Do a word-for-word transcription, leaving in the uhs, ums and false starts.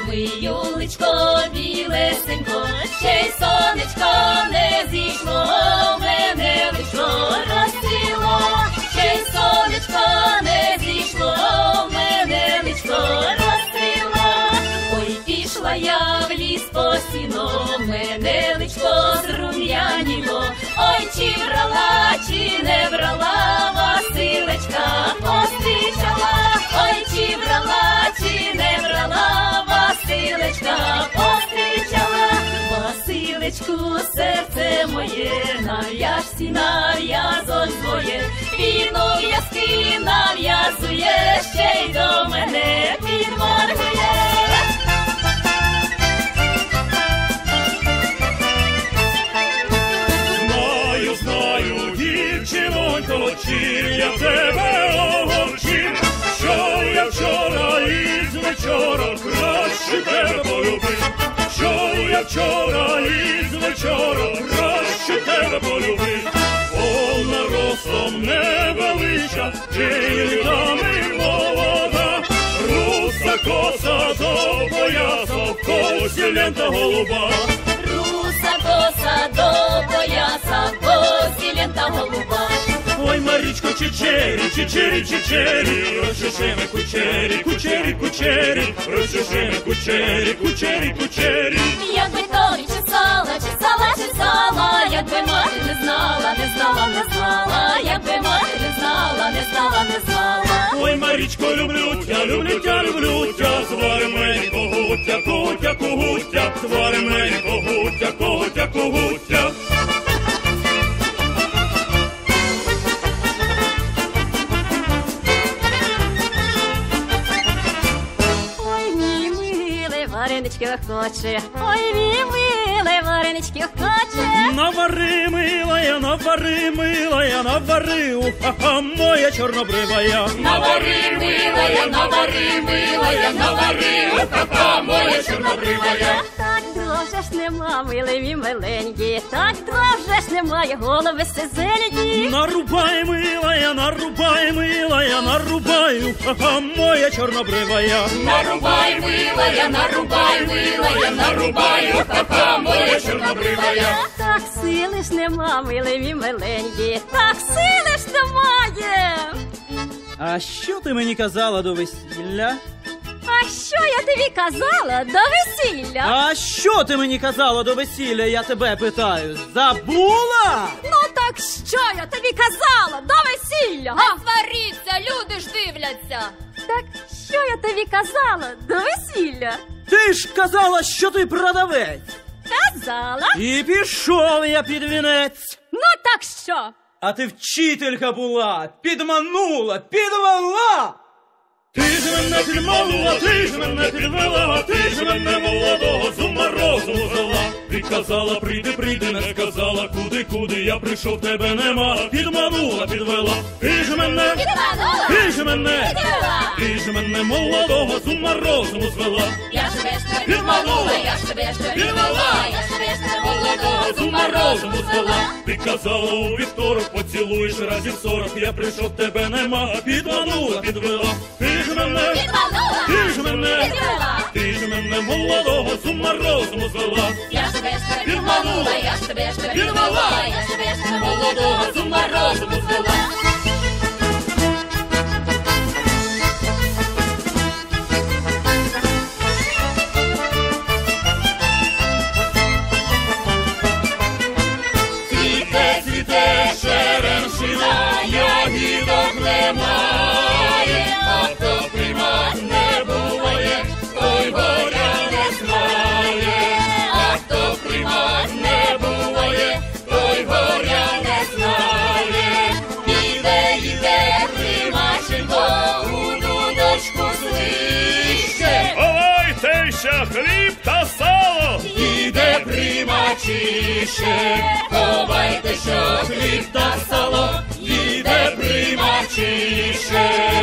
Ой, юлечко, білесенько, ще й сонечко не зійшло, мене личко розцвіло, ще й сонечко не зійшло, мене личко розцвіло. Ой, пішла я в ліс по сіно, мене личко зрум'яніло, ой, чи брала, чи не брала, Василечка пострічала, ой, чи брала, чи не брала, Василечка пострічала. Василечку, серце моє, нав'яжці нав'язок своє, віно в'язки нав'язує, ще й до мене підморгує. Знаю, знаю, дівчинонько, чим я тебе огорчив, що я вчора із вечора краще тебе полюбив, що я вчора із вечора краще тебе полюбив. Повна росом невелича, дами молода, руса коса до пояса, в косі лента голуба. Руса коса до пояса, в косі лента голуба. Ой, Марічко, чечері, чечері, чечері, розчешеме кучері, кучері, кучері, розчешеме кучері, кучері, кучері. Якби тобі чесала, чесала, чесала, якби мати не знала, не знала, не знала, якби мати не знала, не знала, не знала. Ой, Марічко, люблю тя, люблю тя, люблю тя, звари мені когуття, когуття, когуття, звари мені когуття, когуття, когуття. Варенички хоче, ой, мій милий, варенички хоче. Навари, милая, навари, милая, навари, уха-ха, моя чорнобривая. Навари, милая, навари, милая, навари, уха-ха, моя чорнобривая. Так довже ж нема, милий мій миленький, так довже ж немає голови сизенькі. Нарубай, милая, нарубай, милая, нарубай, уха-ха, моя чорнобривая. Нарубай, милая, нарубай, милая, нарубай, уха-ха, моя чорнобривая. Так сили ж нема, милий мій миленький, так сили ж немає. А що ти мені казала до весілля? А що я тобі казала до весілля? А що ти мені казала до весілля, я тебе питаю? Забула? Ну так що я тобі казала до весілля? Не сваріться, люди ж дивляться. Так що я тобі казала до весілля? Ти ж казала, що ти продавець. Казала. І пішов я під вінець. Ну так що? А ти вчителька була, підманула, підвела. Ти ж мене підманула, ти ж мене підвела, ти ж мене молодого з ума розуму звела. Ти казала, прийди, прийди, не сказала, куди, куди, я прийшов, тебе нема. Підманула, підвела, ти ж мене, Підманула. ти ж мене, Підвела. ти ж мене молодого з ума розуму звела. Я ж тебе ж тебе підманула, я ж тебе ж тебе підвела, я ж тебе ж тебе молодого з ума розуму звела. Ти казала, у вівторок поцілуєш разів сорок, я прийшов, тебе нема. Підманула, підвела, ти ж мене, Підманула. ти ж мене, Підвела. ти ж мене молодого з ума розуму звела. Я ж тебе ж тебе підманула, я ж тебе ж тебе підвела, я ж тебе ж тебе молодого з ума розуму звела. Цвіте, цвіте, черемшина, ягідок немає, а хто приймать не буває, той горя не знає, а хто приймать не буває, той горя не знає. Іде, іде, Примаченко, у дудочку свище. Ховайтеся, хліб та сало. Іде Примачище, ховайте, що хліб та сало, іде Примачище.